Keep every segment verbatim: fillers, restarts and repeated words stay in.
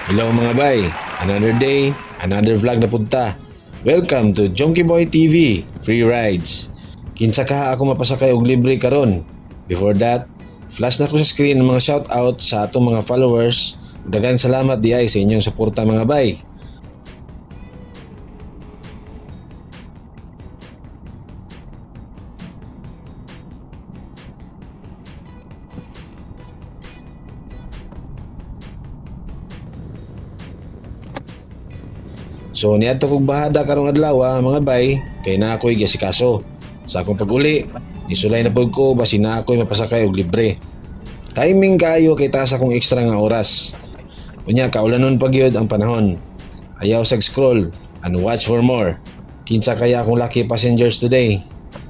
Hello mga bay, another day, another vlog na punta. Welcome to Jonky Boy T V, Free Rides. Kinsa ka ako mapasakay og libre karon. Before that, flash na ko sa screen ng mga shoutout sa atong mga followers. Daghang salamat di ay sa inyong suporta mga bay. So niadto kog bahada karong adlaw ah, mga bay, kay na ako'y gasikaso. Sa akong pag-uli, isulay na pud ko basin na ako'y mapasakay og libre. Timing kayo kay taas akong extra nga oras. Unya kaulanon pa gyud ang panahon. Ayaw sag scroll and watch for more. Kinsa kaya akong lucky passengers today?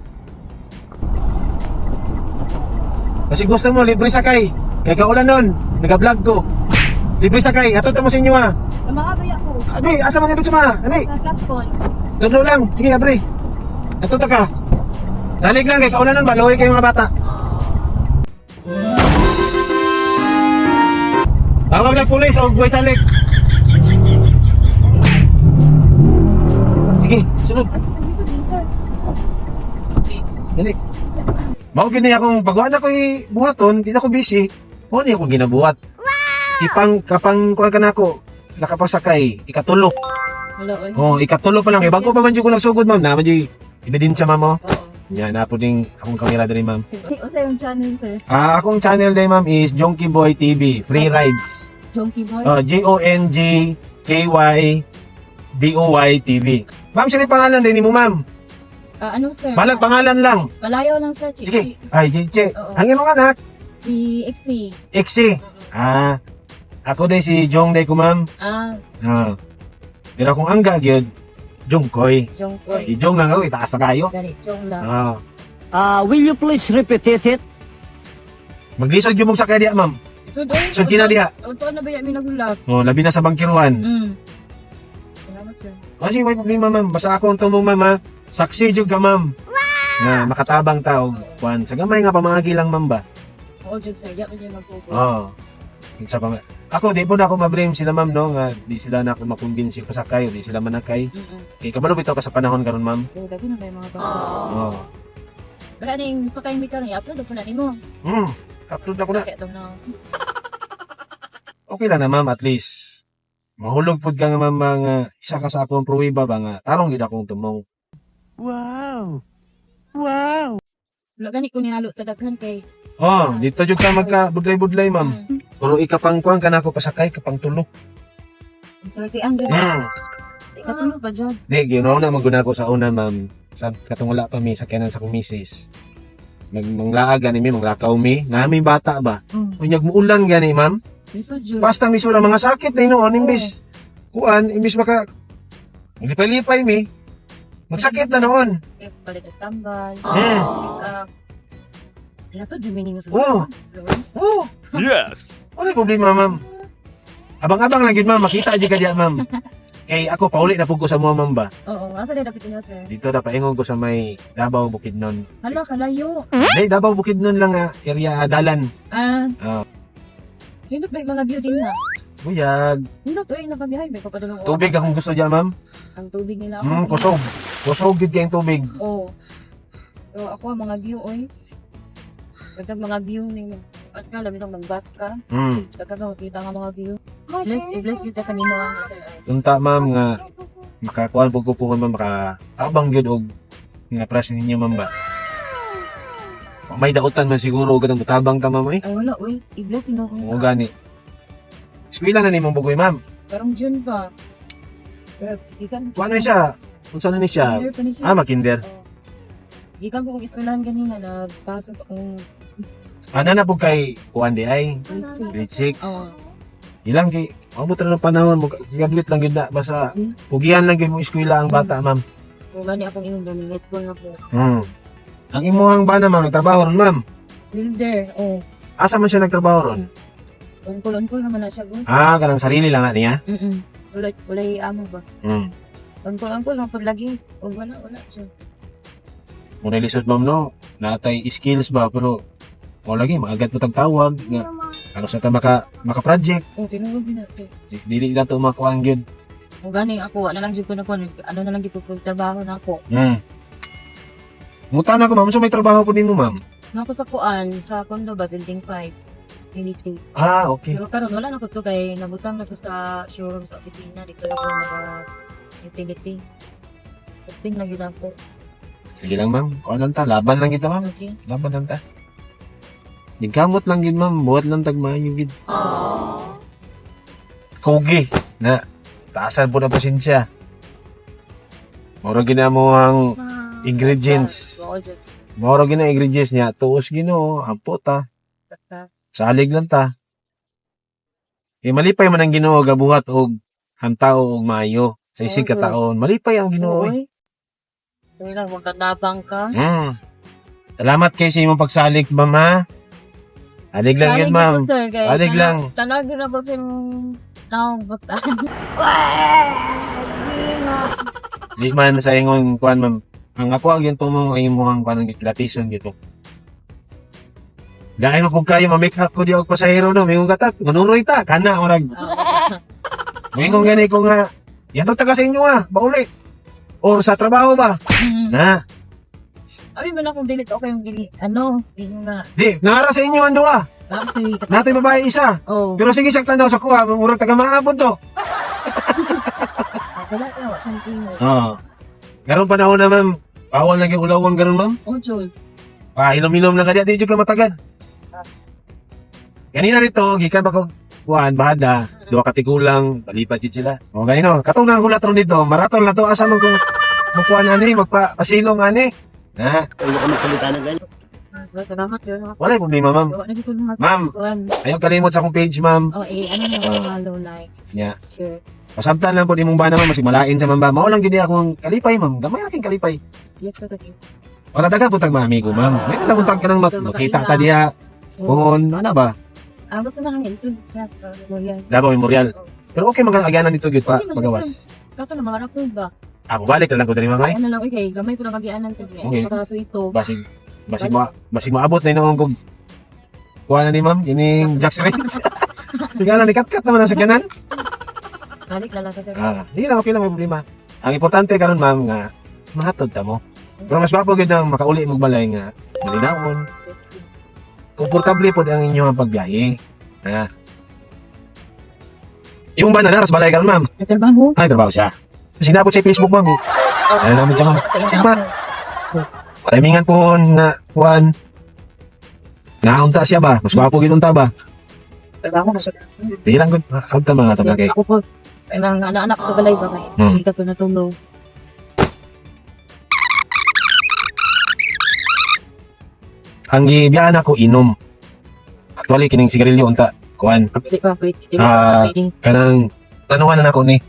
Kasi gusto mo, libre sakay. Kaya kaulan nun, nag-vlog ko. Libre sakay, ato mo sa inyo ha. Kamakaboy ako. Adi, asa man ibig suma? Dali. Sa class call. Tudlo lang. Sige, abre. Ato ta ka. Salig lang, kaya kaulan nun, maluhi kayo mga bata. Tawag ng pulis o buhay salig. Sige, sunod. Dali. Mao gini akong pagwaan ako'y buhaton, di na ako busy. Mao ni ako ginabuhat. Wow! Ipang kapang kuha ka na ako, nakapasakay, ikatulo. Hello, oy. Oh, ikatulo pa lang. Eh, bago pa man dyan ko nagsugod, ma'am. Naman dyan, ebidensya, ma'am, oh. Oo. Yan, na po din akong kamera din, ma'am. Unsa yung channel sir? Ah, akong channel din, ma'am, is Jonky Boy T V, Free Rides. Jonky Boy? Oh, J O N G K Y B O Y T V. Ma'am, sino yung pangalan din mo, ma'am? Ah, ano sir? Balag pangalan lang. Malayo lang sir. Sige. Ay, J J. Oo. Ang iyong anak? Si Ixie. Ixie. Ah, ako din si Jong day ko, ma'am. Ah, Ah. Pero kung angga, gyud Jongkoy. Jongkoy. Si Jong lang ako, itaas na kayo. Gani, Jong lang. Ah. Uh, will you please repeat it? Maglisod yung mong sakay diya, ma'am. So, doon. So, kina diha. Ito na ba yan minagulag? Oh, labi na sa bangkiruan. Hmm. Salamat sir. Oh, sige, may problema, ma'am. Basta ako ang tumong, ma'am, ha? Saksi jud ka, ma'am. Na makatabang tao. Juan, sa gamay nga pamangagi lang, ma'am ba? Oo, Jog sir. Di ako dyan magsuko. Oo. Sa pang... Ako, di po na ako ma-blame sila, ma'am, no? Nga, di sila na ako makumbinsi pasakay o di sila manakay. Mm-mm. Kaya kabalo bitaw ka sa panahon karon, ma'am. So, gabi na ba yung mga bata? Oo. Pero ano yung gusto kayong bitaw na i-upload? Ako na mo. Hmm. Upload ako na. Kaya ito na. Okay lang na, ma'am, at least. Mahulog pod ka nga, ma'am, nga isa ka sa akong pruwiba ba nga. Tarong gid akong tumong. Wow! Wow! Wala gani ko ninalo sa daghan kay. Oh, dito jud ka magka budlay-budlay, ma'am. Hmm. Pero ikapang kuang ka na ako pasakay, kapang tulo. Sorry, ang gani. Hmm. Ikatulog pa dyan. Di, ginaw na maguna ko sa una, ma'am. Sa katong wala pa mi, sakyanan sa kumisis. Mag manglaag gani mi, manglakaw mi. Nami bata ba? Hmm. Unyag muulan gani, ma'am. Gusto dyan. Basta mi sura mga sakit na inoon, imbis. Kuan, imbis maka... Lipay-lipay mi. Magsakit na noon. Eh, palit at tambal. Hmm. Uh, kaya to, dumini mo sa Oo. sakit. Oh, Yes! wala problema, ma'am. Abang-abang lang yun, ma'am. Makita di ka diya, ma'am. Kay ako, pauli na po ko sa mga, ma'am ba? Oo, asa na dapat niya, sir? Dito na paingon ko sa may Davao Bukidnon. Hala, kalayo. Hey, Davao Bukidnon lang nga, area dalan. Ah, Ah, hindi ba yung mga view din na? buyag. Hindi to, eh, nakabihay. May papadulong Tubig akong gusto diyan, ma'am. Ang tubig nila Hmm, ako. kusog. Kusog gid kayong tubig. Oo. So, ako, ang mga view, oy. Pagkat mga view ninyo. At nga, labi nang mag-bus ka. Hmm. Pagkat nga, makita nga mga view. Bless, i-bless kita kanino ang sir. Tunta, ma'am, nga makakuan po ko po ma'am, makatabang gyud og nga press ninyo, ma'am ba? May dautan man siguro og ganang tabang ka, ma'am, eh. Ay, wala, oy. I-bless nino Oo, akong gani. Eskwela na ni mong bugoy, ma'am. Karong June pa. Pero, ikan. Kuha na siya. Unsa na ni siya? Kinder pa ni siya. Ah, makinder. Oo. Ikan po kong eskwelahan kanina, nagpasa sa kong Ana na po kay kuan di ay grade six. grade six. Oo. Ilang kay amo tra ng panahon mo graduate lang gyud na basta pugihan lang gyud mo eskwela ang bata, ma'am. Kung gani akong inyong galing, let's go na po. Hmm. Ang imuhang bana, ma'am, nagtrabaho ron, ma'am. Builder, oh. Asa man siya nagtrabaho ron? Ungkol-ungkol naman na siya, go. Ah, kanang sarili lang na niya. Mm-mm. Tulad, walay amo ba? Hmm. Ungkol-ungkol, ang paglagi. O wala, wala siya. Muna lisod, ma'am, no. Natay skills ba pero o lagi maagat mo tagtawag nga Ano sa ta maka maka-project, Oh, tinulog din natin. di- dili na to makuang gyud. Kung gani ako, wala lang dito na ko, ano na lang dito ko, trabaho na ako. Hmm. Muta na ko ma'am, so may trabaho po nimo ma'am. Nako sa kuan, sa condo ba, building five. Unit three. Ah, okay. Pero karon wala na ko to kay nabutang na ko sa showroom sa opisina dito lang ko naka utility. Testing lang yun ako. Sige lang ma'am, kuan lang ta, laban lang kita ma'am. Okay. Laban lang ta. Nagkamot lang gid ma'am, buhat lang tagmayo gid. Kogi na taasan po na pasensya. Moro ginamo ang ingredients. Oo, Diyos. Moro gina ingredients niya, tuos Ginoo, ampo ta. Basta. Salig lang ta. Eh malipay man ang Ginoo gabuhat og hantao og maayo sa isig ka taon. Malipay ang Ginoo. eh. Oy. Kaya lang, magkadabang ka. Mm. Salamat kay sa imong pagsalig, ma'am ha. Salig lang yun, ma'am. Salig lang. Tanag na po sa naong butan. Di man sa ingon kuan, ma'am. Ang ako ang yun po mo ay imong kuan ng latison gito. Dahil mo kung kayo ma-make up ko di og pasahero no, mayong gatat, manunoy ta, kana orag. Mayong gani ko nga, yan to taga sa inyo ah, bauli. Or sa trabaho ba? Na, Abi ba na kung dilit okay yung gili, ano, yun nga. di, nara sa inyo ang duha. Actually, Natay babae isa. oh, Pero sige saktan daw sa kuha, murag taga maabot to. wala ka, wala siyang tingin. Oo. Garong panahon na ma'am, bawal lagi ulawang garon ma'am. Oh, Joy. Pa inom-inom lang kanya, di jud ka matagad. Kanina rito, gikan ba ko kuan bahada, duha ka tigulang, balipat jud sila. O ganino, katong nang gulat ron dito, maraton na to asa man ko mukuan ani, magpa pasilong ani. Na, Ah, salamat yun. wala problema ma'am. Wala na dito mga Ma'am, kuwan. ayaw kalimot sa akong page ma'am. Oh, eh, ano na mga low like. Nya. Sure. Pasamtan lang po nimong bana ma'am, masig malain sa ma'am ba. Mao lang gid akong kalipay ma'am, gamay aking kalipay. Yes, ka tagi. Wala dagan putag mami ko ma'am. May lang putag ka nang mak- makita ta diha. Kung ano ba? Ah, gusto na kang ito. Royal. Davao Memorial. Pero okay mga agyanan dito gid pa pagawas. Kaso na mga rapod ba? Ah, balik na lang ko diri ma'am. ay. Ano lang, okay, gamay ko na kagianan ko. Okay. Para sa ito. Basig basig mo basig maabot na inoong kog kuha na ni ma'am ining Jack's Race. Tingala ni kat-kat naman ang sakyanan. Balik na lang sa sir. Ah, sige lang okay lang may problema. Ang importante karon ma'am nga mahatod ta mo. Pero mas wapo gid ang makauli mong balay nga malinawon. Komportable pod ang inyong pagbiyahe. Ha. Imong ba na naras balay karon ma'am? Nagtrabaho? Ay trabaho siya. Sinabot sa Facebook ma'am. eh. Ano naman siya ma'am? Sige ba? Parimingan po na kuan. Naunta siya ba? Mas wapo gid unta ba? Trabaho na siya. Di lang gud. Sabta mga tabagay. Ako po, ang anak-anak ko sa balay ba kayo? Hmm. Hindi ka po natulog. Ang gibiyahan ako inom. Actually kining sigarilyo unta kuan. Hindi pa, wait. Hindi Ah. pa, pwedeng. Kanang tanuhan na ako ni.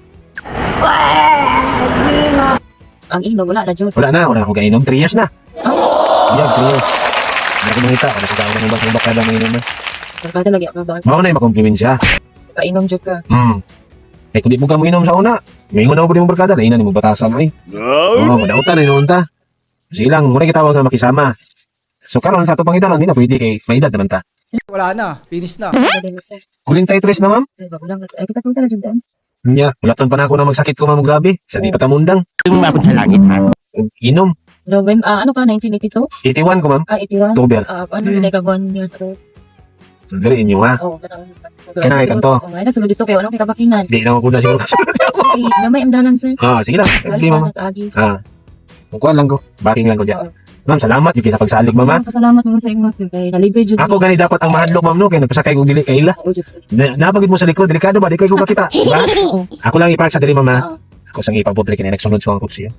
Ang ino, wala na, Jun. Wala na, wala na akong kainom. three years na. Yeah, three years. Hindi ko makita. Wala ko kainom ng bakang bakada ng inom na. Nagkada lagi ako ba? Mao na yung makompliment siya. Kainom Jun ka. Hmm. Eh, kung di mo ka mo inom sa una, may una mo po di mo barkada, na ina ni mo batasan mo eh. Oo, oh, madautan na inuunta. Sige lang, muna kitawag na makisama. So karon sa ato pangitan, hindi na pwede kay may edad naman ta. Wala na, finish na. Hindi na, sir. Kulintay tres na ma'am. Ay, bago lang. Ay, kita punta na Jun. Nya, wala pa na ako na magsakit ko ma'am grabe. Sa di patamundang. Umabot sa langit, ha? Inom. November, ah, ano ka, nineteen eighty-two? eighty-one ko ma'am. Ah, eighty-one? October. Ah, paano nila ka one years old? So, dali inyo ha. Oo, kanang. Kanang ikanto. Oo, ay, nasulod dito kayo. Anong kita bakinan? Di na ako na siguro kasunod. Ay, gamay ang dalan, sir. Ah, sige lang. Hindi ma'am. Agi. Ah. Kukuha lang ko. Backing lang ko dyan. Oo. Ma'am, salamat yung sa pagsalig ma'am ha. Pasalamat mo sa inyo, sir. Kay nalibay Jun. Ako gani dapat ang mahadlok ma'am no kay nagpasakay kong dili kay ila. Oo, Jun, sir. Na, napagid mo sa likod, delikado ba? Di kayo ko kakita. Diba? Oo. Ako lang ipark sa dili ma'am ha. Oo. Ako sang ipaputre kini nagsunod sa akong kupsiya.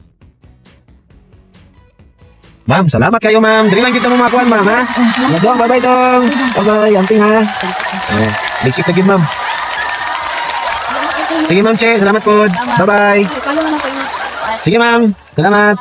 Ma'am, salamat kayo ma'am. Dili lang kita mo makuan ma'am ha. Mga dong, bye-bye dong. Bye-bye, anting ha. Oh, ligsik na gid ma'am. Sige ma'am Che, salamat po. Bye-bye. Paano naman kayo? Sige ma'am, salamat.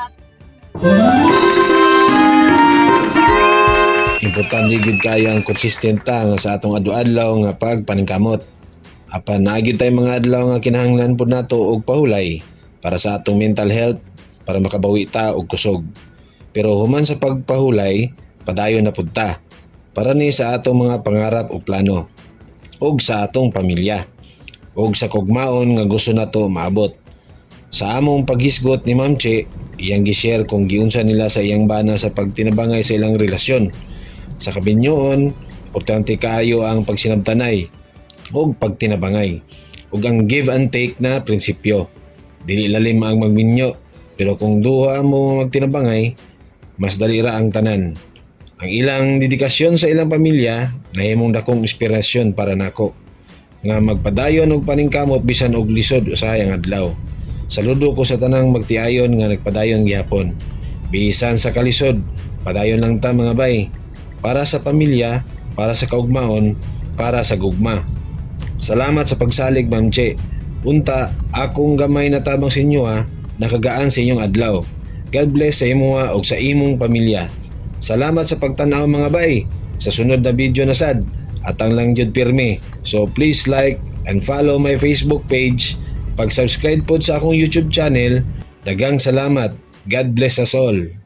Importante gid kaya ang konsistenta nga sa atong adlaw nga pagpaningkamot. Apan naagid tay mga adlaw nga kinahanglan pud nato og pahulay para sa atong mental health para makabawi ta og kusog. Pero human sa pagpahulay, padayon na pud ta. para ni sa atong mga pangarap o plano ug sa atong pamilya ug sa kugmaon nga gusto nato maabot. Sa among paghisgot ni Ma'am Che, iyang gi-share kung giunsa nila sa iyang bana sa pagtinabangay sa ilang relasyon. Sa kabinyoon, importante kaayo ang pagsinabtanay ug pagtinabangay ug ang give and take na prinsipyo. Dili lalim ang magminyo, pero kung duha mo magtinabangay, mas dali ra ang tanan. Ang ilang dedikasyon sa ilang pamilya nahimong dakong inspirasyon para nako nga magpadayon og paningkamot bisan og lisod usahay ang adlaw. Saludo ko sa tanang magtiayon nga nagpadayon gihapon. Bisan sa kalisod, padayon lang ta mga bay. Para sa pamilya, para sa kaugmaon, para sa gugma. Salamat sa pagsalig, Ma'am Che. Unta, akong gamay na tabang sa inyo ha, nakagaan sa inyong adlaw. God bless sa imo ha, o sa imong pamilya. Salamat sa pagtanaw mga bay. Sa sunod na video na sad, atang lang jud pirmi. So please like and follow my Facebook page. Pag-subscribe po sa akong YouTube channel. Dagang salamat. God bless us all.